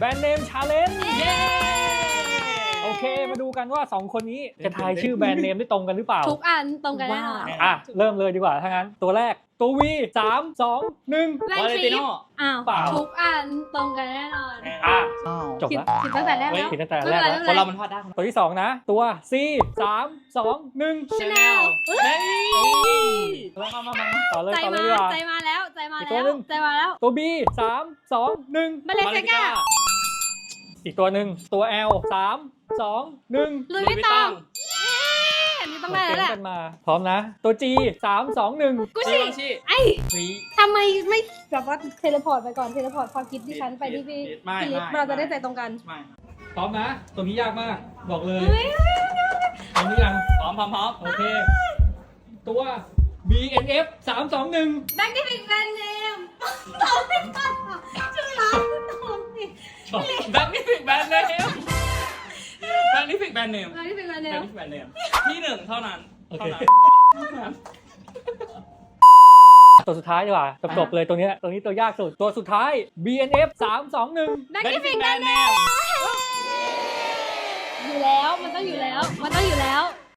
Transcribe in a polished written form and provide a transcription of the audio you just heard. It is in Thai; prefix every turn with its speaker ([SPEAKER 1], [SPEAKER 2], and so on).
[SPEAKER 1] แบรนด์เนมชาเลนจ์เย้โอเคมาดูกันว่า2คนนี้จะทายชื่อแบรนด์เนมได้ตรงกันหรือเปล่า
[SPEAKER 2] ทุกอันตรงกันแน่นอน
[SPEAKER 1] เริ่มเลยดีกว่าถ้างั้นตัวแรกตัว V 3 2 1
[SPEAKER 2] แบรน
[SPEAKER 3] วา
[SPEAKER 2] ด์
[SPEAKER 3] เล
[SPEAKER 2] ฟ
[SPEAKER 3] ติ
[SPEAKER 2] รี
[SPEAKER 3] โน่
[SPEAKER 2] อ้าว
[SPEAKER 1] เปล่า
[SPEAKER 2] ทุกอันตรงกันแน่นอน
[SPEAKER 1] จบ
[SPEAKER 2] ผิด
[SPEAKER 1] แล้ว
[SPEAKER 2] ผิดตั้งแต่แรกแล้ว
[SPEAKER 1] ผิดตั้งแต่
[SPEAKER 2] ไม่
[SPEAKER 1] แร
[SPEAKER 2] เป็
[SPEAKER 1] ก
[SPEAKER 2] นไร
[SPEAKER 1] แล้ว
[SPEAKER 3] คนเรามันพลาดได้
[SPEAKER 1] ตัวที่2นะตัว C 3 2 1
[SPEAKER 2] Chanel
[SPEAKER 3] เฮ้ย
[SPEAKER 1] มาต่อเลย
[SPEAKER 2] ใจ
[SPEAKER 1] ต่อเล
[SPEAKER 2] มาย
[SPEAKER 1] ดีกว่า
[SPEAKER 2] ใจมาแล้วใจมา
[SPEAKER 1] อีกตั
[SPEAKER 2] แล้ว ว
[SPEAKER 1] หนึ่ง
[SPEAKER 2] ใจมาแล้ว
[SPEAKER 1] ตัว B 3 2 1
[SPEAKER 2] บาเลนเซกา
[SPEAKER 1] อีกตัวหนึ่งตัว L 3 2 1
[SPEAKER 2] ลุยไม่ต้องอันนี้ต้องได้แล้วแหละ
[SPEAKER 1] กันมาพร้อมนะตัว G 3 2 1
[SPEAKER 2] กุ
[SPEAKER 3] ชิ
[SPEAKER 2] ชิ
[SPEAKER 3] ชิ
[SPEAKER 2] ไอ้
[SPEAKER 3] ฟรี
[SPEAKER 2] ทำไมไม่แบบว่าเทเลพอร์ตไปก่อนเทเลพอร์ตความคิดดิฉันไปที่พี่
[SPEAKER 3] ไม่
[SPEAKER 2] พี่ลิฟ
[SPEAKER 3] ไม่
[SPEAKER 2] เราจะได้ใจตรงกัน
[SPEAKER 3] ไม่
[SPEAKER 1] พร้อมนะตัวนี้ยากมากบอกเลย
[SPEAKER 2] เฮ้ย
[SPEAKER 1] พร้อมหรือยัง
[SPEAKER 3] พร้อมพร้อมพร้อม
[SPEAKER 1] โอเค ตัว BNF 3 2 1
[SPEAKER 2] แบงค์ที่เป็นแบรนด์เนมตอบไม่ได้ชื่อร้านตอบสิ
[SPEAKER 3] แบงค์นี่ฟิกแบรนด์เนมแบงค์นี่ฟิกแบรนด์เนม
[SPEAKER 2] แบงค์ที่เป็นแบรนด์เน
[SPEAKER 3] แบง
[SPEAKER 2] ม
[SPEAKER 3] ค์นี่ฟิกแบรนด์เนมที่หนึ่งเท่านั้น
[SPEAKER 1] โอเค
[SPEAKER 3] เท่านั้น
[SPEAKER 1] ตัวสุดท้ายดีกว่าจบเลยตัวนี้ตัวยากสุดตัวสุดท้าย BNF 3 2 1
[SPEAKER 2] แบงค์ที่เป็นแบรนด์เนมอยู่แล้วมันต้องอยู่แล้วมันต้องอยู่แล้ว